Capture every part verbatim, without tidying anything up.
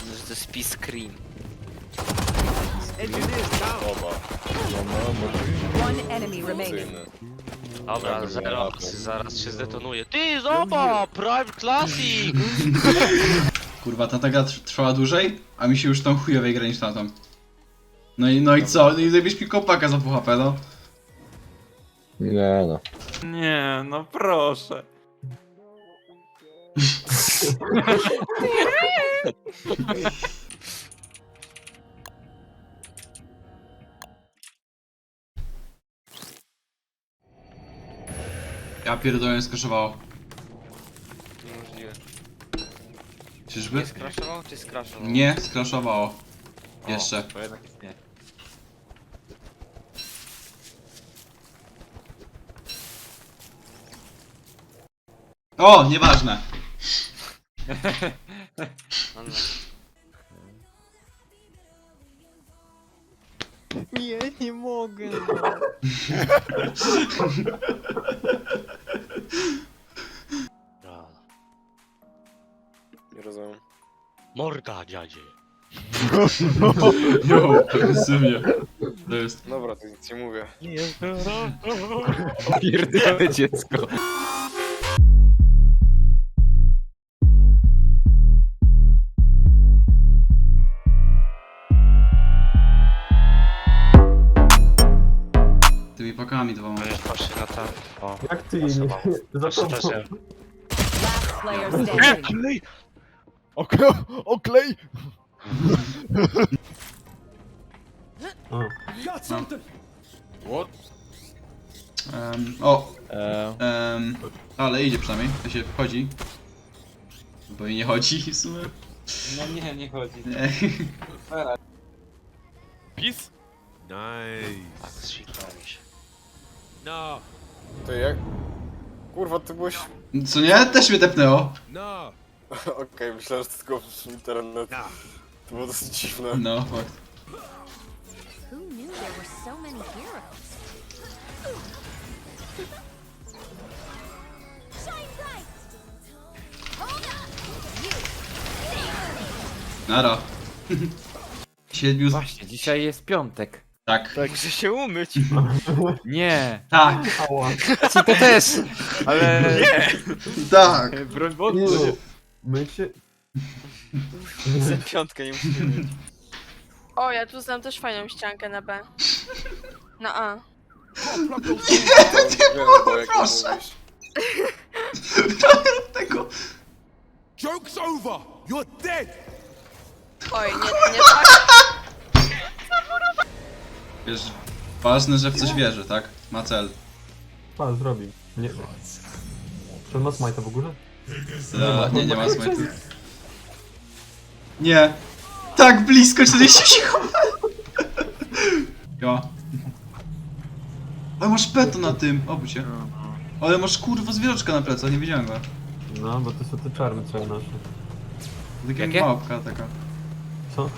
że to jest Peace Cream. Oba. One enemy remaining. Dobra, zero, zaraz się zdetonuje. Ty, zobacz! Prime Classic! Kurwa, ta ta gra tr- trwała dłużej, a mi się już tą chujowej gra niż tamtą. No i, no i co? No i zajebieś mi kopaka za pół H P, no. Nie no. Nie, no proszę. Ja pierdolę, skaszowało. Niemożliwe. Czyżby? Nie skraszował czy skraszował? Nie, skraszowało. Jeszcze. To jednak jest nie. O, nieważne. No, no. Nie, nie mogę. Dobra. Nie rozumiem. Morda, dziadzie. Jo, agresywnie. To jest. Dobra, to nic nie mówię. Pierdolę dziecko. Tymi pakami dwoma. No już patrzę na tam. O, Jak ty pasowało. nie Patrzę zapomniał? też, że... Last player standing. Oklej! Oklej! Um, o, Eee, um, ale idzie przynajmniej, to się wchodzi. Bo i nie chodzi w sumie. No nie, nie chodzi. Nie. Peace? Nice. Tak, zsikałem się. No, To jak? Kurwa, ty byłeś... Co nie? Też mnie tepnęło. no, Okej, myślałem, że to tylko internet. no. To było dosyć dziwne. No, fakt. Who knew there were so many heroes? Shine bright. Hold up. Nara. Siedmiu... Właśnie, dzisiaj jest piątek. Tak. Muszę się umyć. Nie, Tak. Ała. ci to też, ale... Tak. Broń Nie Boże. no. My się... Chcę piątkę, nie muszę umyć. O, ja tu znam też fajną ściankę na B. Na A. Nie wiem, jak proszę. mówisz. Tego. Joke's over. You're dead. Oj, nie, nie tak. Wiesz, ważne, że w coś wierzy, tak? Ma cel. Pan zrobił. Nie. Czy on ma smajta w ogóle? Da, nie, nie ma smajtu. Nie. Tak blisko, czterdzieści sekund. Ja. Ale masz peto na tym, obudź się. Ale masz kurwa zwierzaczka na plecach, nie widziałem go. No, bo to są te czarne całe nasze. Taka Jakie? małpka taka. Co?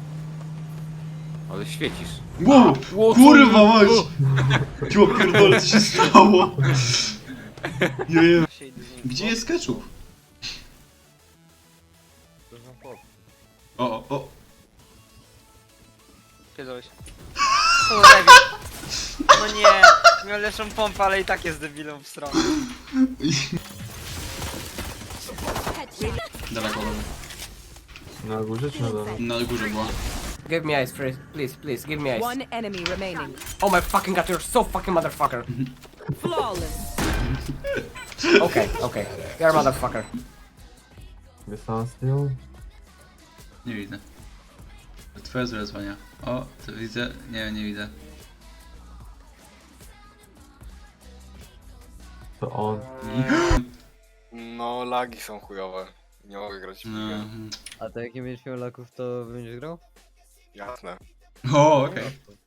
Ale świecisz. Wow, kurwa mać! Jo pierdolę, co się stało? Jeje. Gdzie jest ketchup? O, o, o. Pierdolę się. O, debil. No nie, miał lepszą pompę, ale i tak jest debilą w stronę. Daleko, daleko. Na górze czy na dole? Na górze była. Give me ice, please, please, please, give me ice. One enemy remaining. Oh my fucking god, you're so fucking motherfucker. Flawless. Okay, okay, you're a motherfucker. Wysłałem z tyłu. Nie widzę. Twoje zlecenia. O, to widzę. Nie, nie widzę. To on. No, lagi są chujowe. Nie mogę grać w No. ligę. a to jak nie będziesz miał laków, to będziesz grał? Jasne. O, okej.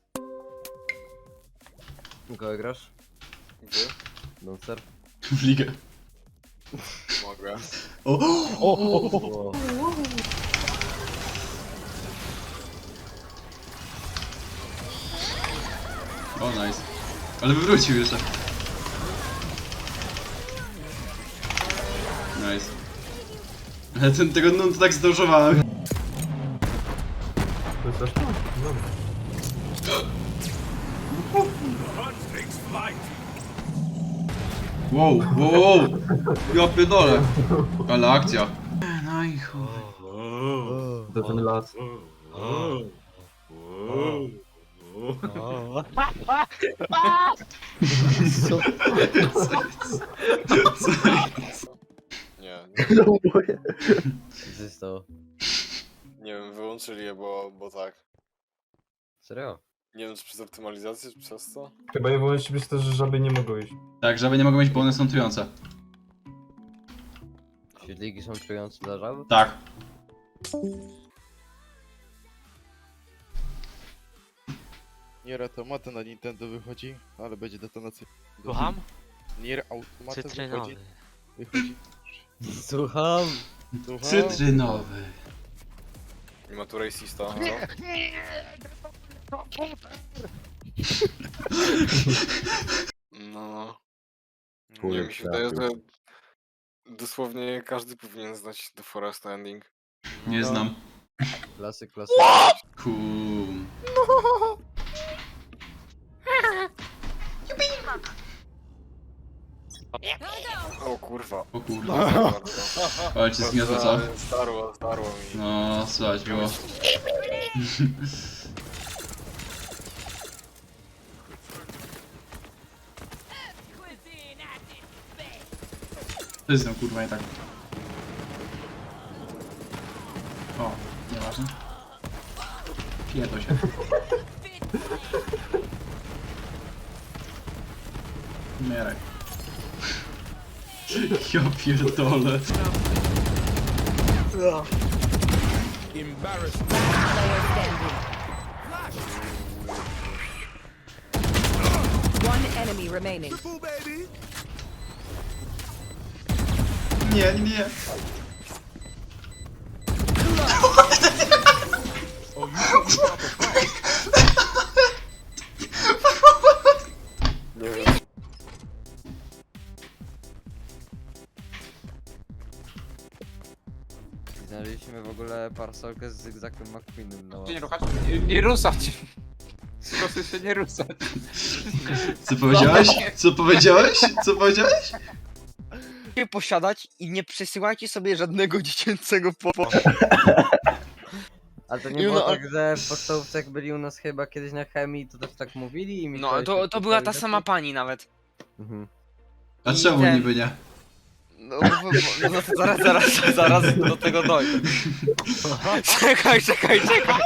Kogo grasz? Gdy? Monster? W ligę. Mogę. O! O, O, nice. Ale wywrócił jeszcze. Nice. Ale ten, tego no to tak zdążowałem. jest aż tak? Dobra. Wow, wow, wow. Ja pierdolę. Ale akcja. No i chuj. To ten las. Nie, Co się stało? nie wiem, wyłączyli je, bo, bo tak. Serio? Nie wiem, czy przez optymalizację, czy przez co? Chyba je wolności być też, że żaby nie mogą iść. Tak, żeby nie mogą być, bo one są trujące. Świetliki są trujące dla żab? Tak. Nier Automata na Nintendo wychodzi, ale będzie detonacja. Słucham? Nier Automata wychodzi. Cytrynowy. Wychodzi. Słucham! Słucham? Cytrynowy. Nie ma tu racista, co? No. Nie, mi się wydaje, że dosłownie każdy powinien znać The Forest Ending. Nie znam. Klasyk, klasyk. Kum. O kurwa. O kurwa. Ale cię zgniotło, co? Starło, starło mi. No, słuchaj, było. To jest tam kurwa nie tak. O, nieważne. Pierdol się. Umieraj. Ja pierdolę. Embarrassed. One enemy remaining. Triple, baby. Nie, nie, nie. Nie wiem. Znaleźliśmy w ogóle parasolkę z zygzakiem McQueenem na Nie łapie. ruszać. Nie, nie ruszać. Proszę się nie ruszać. Co powiedziałeś? Co powiedziałeś? Co powiedziałeś? Nie posiadać i nie przesyłajcie sobie żadnego dziecięcego po... Ale to nie Nie, było no, tak, że w podstawówce jak byli u nas chyba kiedyś na chemii, to też tak mówili i mi No, to, to była ta sama pani nawet. Mhm. A I czemu ten- niby nie? No, bo, bo, no to zaraz, zaraz, zaraz do tego dojdę. Czekaj, czekaj, czekaj.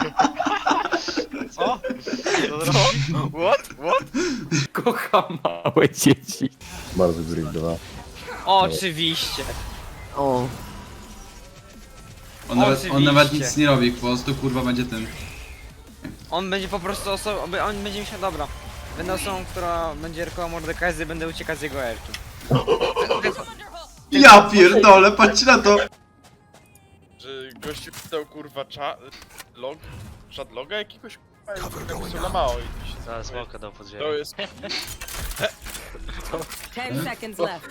Co? Co zrobi? What? What? Kocham małe dzieci. Bardzo zrywdowa. Oczywiście. O, On nawet, on Oczywiście. nawet nic nie robi, po prostu kurwa będzie tym. On będzie po prostu osobą, on będzie myślał, dobra. Będę osobą, która będzie erkała Mordekaiser, będę uciekać z jego erki. Ja pierdolę, patrzcie na to! Że gościu czytał kurwa cza... log... Czat loga jakiegoś kurwa na mało i się Zaraz smoka dał pod to jest... Ten seconds left.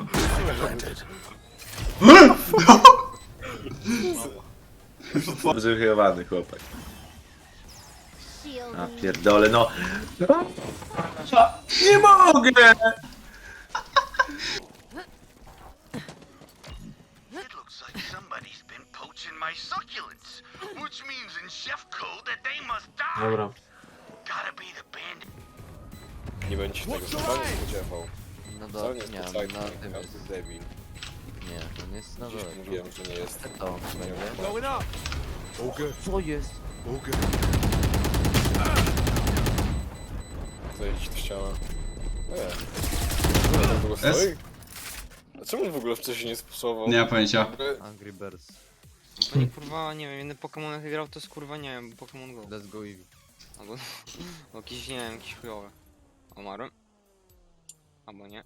Wychowany chłopak. Shield. A pierdolę, no. Nie mogę! It looks like somebody's been poaching my succulents, which means in chef code that they must die. Dobra. Gotta be the bandit. Nie będzie się tego wcale nie spodziewał. no Wcale do... nie jest nie, exciting, na tym każdy jest. debil. Nie, on jest na Gdzieś dole. mówiłem, że nie jest. To będzie. Going up. All good. Co jest? All good. Zajęć do ściana. Nie. Czemu on w ogóle Es? stoi? A czemu on w ogóle wcześniej nie sposobował? Nie mam pojęcia. Angry Birds. Bo nie, kurwa, nie wiem, inny Pokémon jak grał, to jest kurwa, nie wiem, Pokémon Go. Let's go Eevee. Albo jakiś, nie wiem, jakiś chujowy. Umarłem? Albo nie.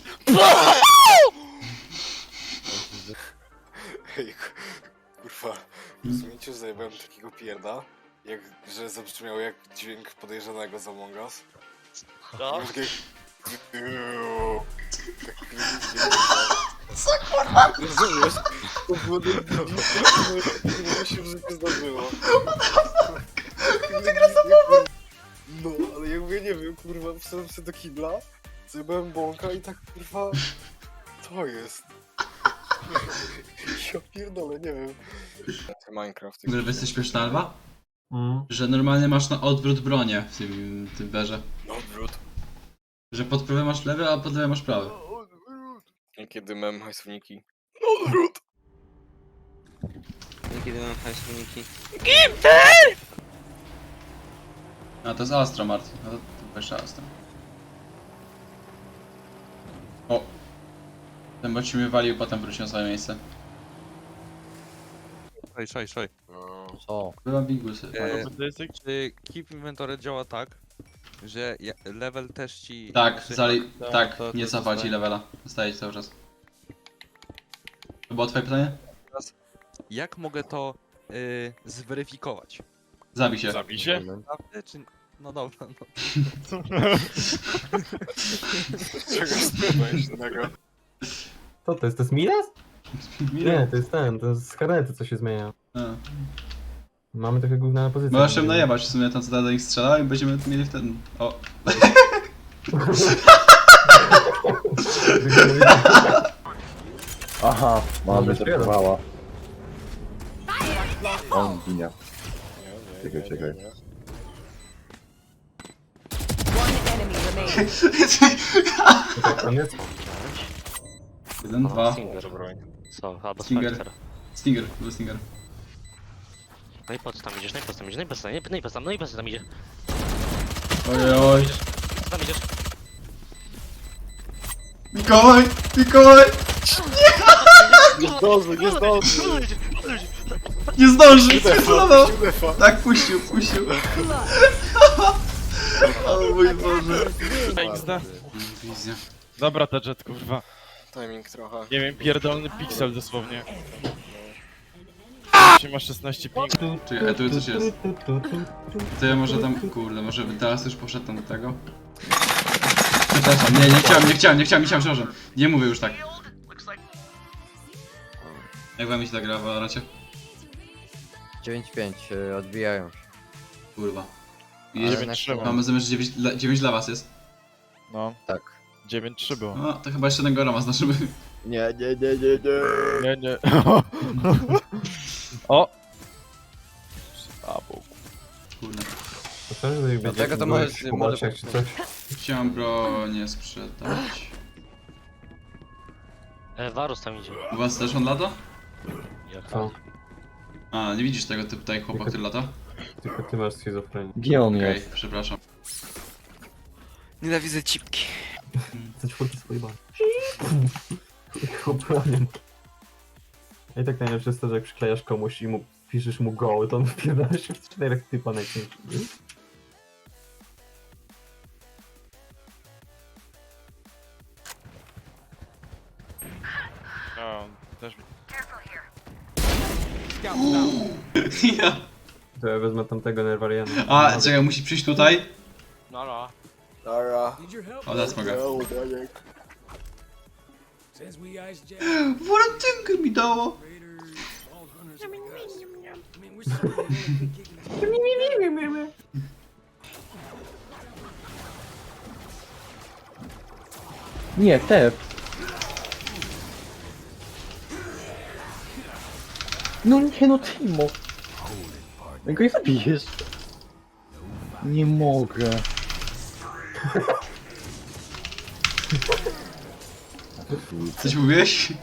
Ej, kurwa. Rozumiecie, że zajebałem takiego pierda? Jak, że zabrzmiał jak dźwięk podejrzanego z Among Us? Co? Już jak... Co kurwa? Rozumiesz? To było... Nie się w życiu zdarzyło. ty gra za bombę! No, ale jakby ja nie wiem, kurwa, wszedłem sobie do kibla, zjebałem bąka i tak, kurwa, to jest. Ja pierdolę, nie wiem. Minecraft. Że jesteś śmieszna, Alba? Mm. Że normalnie masz na odwrót bronię w tym, tym berze. No odwrót. Że pod prawy masz lewy, a pod lewy masz prawy. Niekiedy mem hajswniki. No odwrót! Kiedy mam hajsniki. A to jest Astra, Martin. No to, to jeszcze Astra. O! Ten bot ci mnie walił, potem wrócił na swoje miejsce. Szaj, szaj, szaj. No. Co? Byłam bingusy. E, czy Keep Inventory działa tak, że ja- level też ci... Tak, znaczy- zali... to- tak, to- to nie cofał ci zostaje. levela. Zostaje ci cały czas. To było twoje pytanie? Jak mogę to y, zweryfikować? Zabij się. Zabij się? Naprawdę, czy... No dobra, no. Czego spróbujesz innego? Co to jest? To jest Midas? Nie, to jest ten, to jest z karety, co się zmienia. A. Mamy trochę gówna na pozycję. Możesz się najebać w sumie tam co do nich strzela i będziemy mieli wtedy... O! Aha, mamy zerwała. On ginie. Czekaj, czekaj. On jest... Jeden, dwa. Co? Albo Stinger. Spectre. Stinger, był Stinger. No i po co tam idziesz? No i po co tam idziesz? No i po co tam, no i po co tam, no i po co tam idziesz? Oj, oj. Co tam idziesz? Mikołaj! Mikołaj! Nie zdąży, nie zdąży! Nie zdąży! Defa, Celował! puścił defa. Tak, puścił, puścił. O mój Boże. Wizja. Dobra, ta jet, kurwa. Timing trochę. Nie wiem, pierdolny piksel dosłownie. Ma szesnaście ping. Czekaj, a tu coś jest. To ja może tam, kurde, może teraz już poszedł tam do tego? Przepraszam, nie, nie chciałem, nie chciałem, nie chciałem, nie chciałem, przepraszam. Nie mówię już tak. Jak wam mi się ta gra w Valorancie? dziewięć pięć, y, odbijają się. Kurwa. I Ale jest, na trzeba. chwilę- mamy zamiast dziewięć, dla- dziewięć dla was jest. No, Tak. dziewięć trzy było. No, to chyba jeszcze jednego rama znaczymy. Nie, nie, nie, nie, nie. Nie, nie. O! A, bo... Kurde. To też będzie Dlatego to było możesz- jakiś może poboczek czy coś. Chciałem bronię sprzedać. E, Varus tam idzie. U was też on lata? Jak Co? A, nie widzisz tego typu tutaj chłopa, który lata? Tylko ty masz schizofrenię. Gdzie on Okej, przepraszam. Nienawidzę cipki. Za czwórki swojej bani. Chłopaniem. I tak najlepsze jest to, że jak przyklejasz komuś i mu piszesz mu go, to on wpierdala się w czterech typa najczęściej. A, też... Ja. To ja wezmę tamtego Nerwariana. A, czekaj, musi przyjść tutaj. No, no. Dobra. O, that's mogę. No, Daniek. Walentynkę mi dało. Nie, te. No nie, no Timo. Jak go zabijesz? Nie mogę. Coś mówiłeś?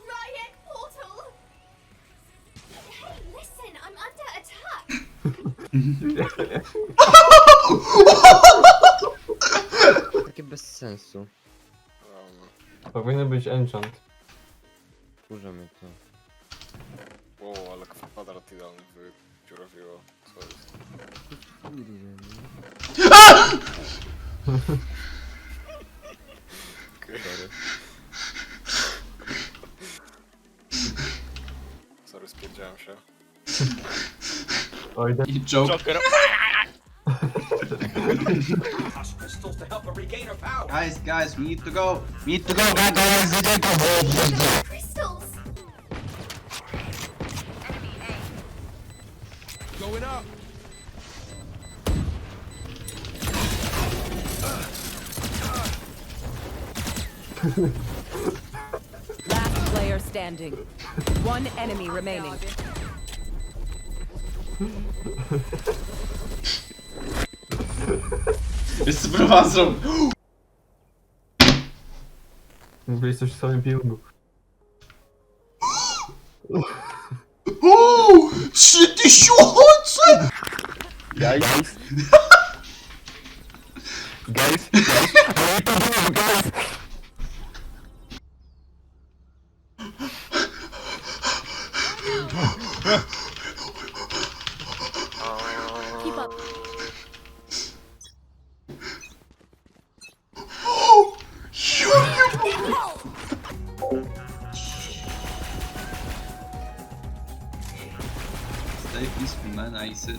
Takie bez sensu. Powinien być enchant. Kurza mnie to. Wow, ale kwadrat idealny wydziurawiło. Co jest? Okej. Sorry, spierdziałem się. Oj, da- I joke. Joker! Guys, guys, we need to go. We need to go. Last player standing. One enemy remaining. Wiesz co próbowałem zrobić? Mówiłeś coś w samym piłku. Uuu! Trzy tysiące! Guys. Guys. Keep up. Stay peaceful, man. I said.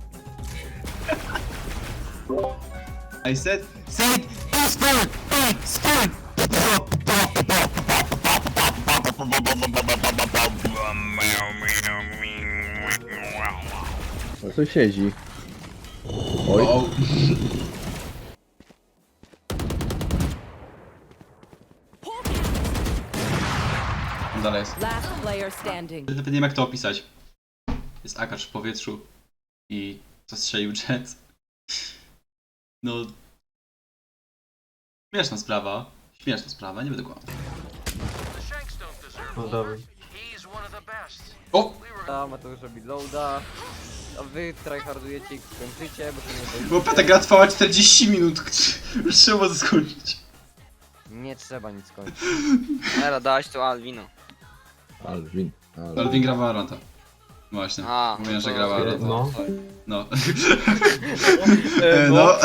I said. Say peaceful. Peaceful. No tu siedzi. Oj. Dalej jest. Last player standing. Nawet nie wiem jak to opisać. Jest akacz w powietrzu i zastrzelił jet. No... Śmieszna sprawa. Śmieszna sprawa, nie będę kłamał. No dobra. O! A Mateusz robi loada. A wy tryhardujecie i skończycie, bo to nie Bo ta gra trwała czterdzieści minut. Już trzeba skończyć. Nie trzeba nic kończyć. Era, dałaś tu Alwino. Alvin. Alvin gra Valoranta. Właśnie. A, Mówiłem, że to- gra Valoranta. No. No. E, no.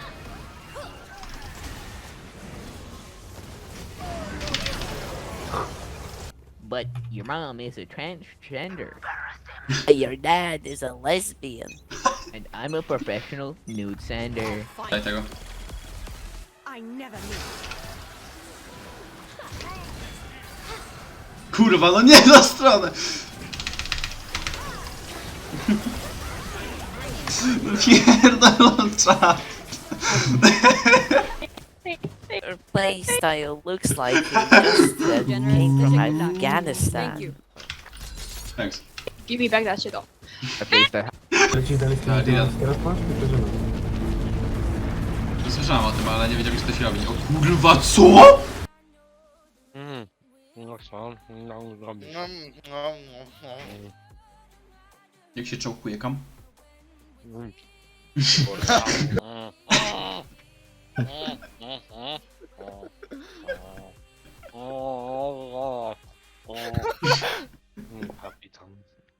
But your mom is a transgender. Your dad is a lesbian. And I'm a professional nude sender. Daj tego. I never knew. Kurwa, no nie na stronę! Pierdolą czat. Your play style looks like you just uh, came from Afghanistan. Thanks. Give me back that shit off. Lecisz dalej z tym, Tak, gdzie ja- teraz masz? Wydarzymy. Słyszałem o tym, ale nie wiedziałem jak to się robi. O kurwa, co?! Mm. No co? No robisz. No, no, no, no. Jak się czołkuje kam? Kapitan.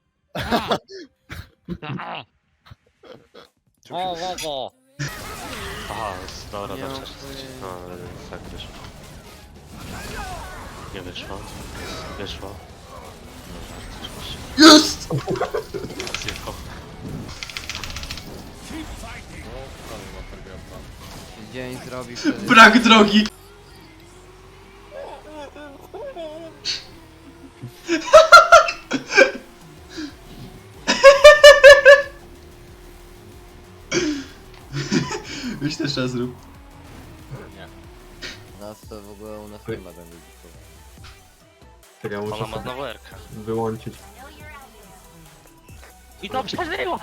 Aha, dobra, Nie dobrze. mam pojęcia. No, ale tak wyszło. Nie wyszło. Wyszło. No, Jest! zjechał. Dzień zrobi wtedy. Brak drogi! Weź też raz zrób. Nas to w ogóle u nas nie ma tam ludzi. Czekaj, muszę Ona ma sobie znowu erkę. wyłączyć. I to przeżyło!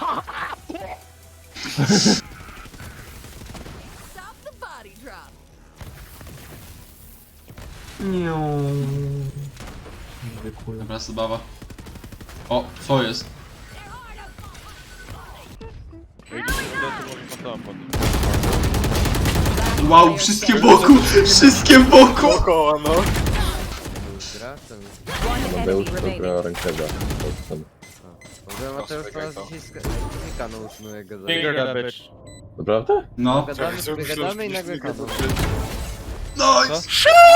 Stop the body drop. Nie. Zwykły. Dobra, zabawa. O, co jest? Wow, wszystkie wokół! Wszystkie wokół! Dookoła, no. Gra? To mi... One enemy remaining. rękawia. W ogóle Mateusz to nas dzisiaj skano usunuje go za... Naprawdę? No. Gadamy sobie, gadamy i nagle kazał. Nice!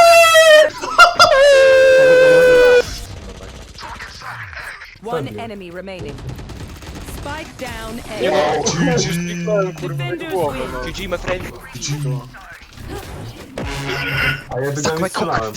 One enemy remaining. Spike down A. Defenders win. G G, my friend. A ja do nie strzelałem.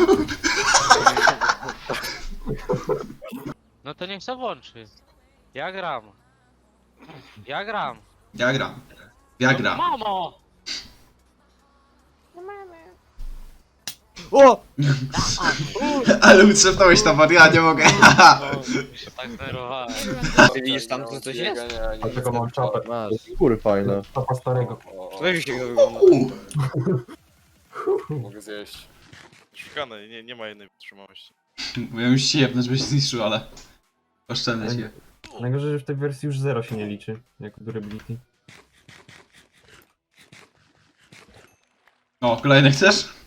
No to niech se włączy. Ja gram. Ja gram. Ja gram. Ja gram. Mamo! O! Ale utrzepnąłeś to, ja nie mogę. Tak zerowałem. Ty widzisz tam, co coś jest? Dlatego mam czapę. Skóry fajne. Czapa starego. O, Weź się to wygląda. o, mogę zjeść. Szukane, nie, nie ma jednej wytrzymałości. Miałem już się jebnąć, żebyś zniszczył, ale... Oszczędź je. Najgorzej, że w tej wersji już zero się nie liczy, jako durability. O, kolejny chcesz?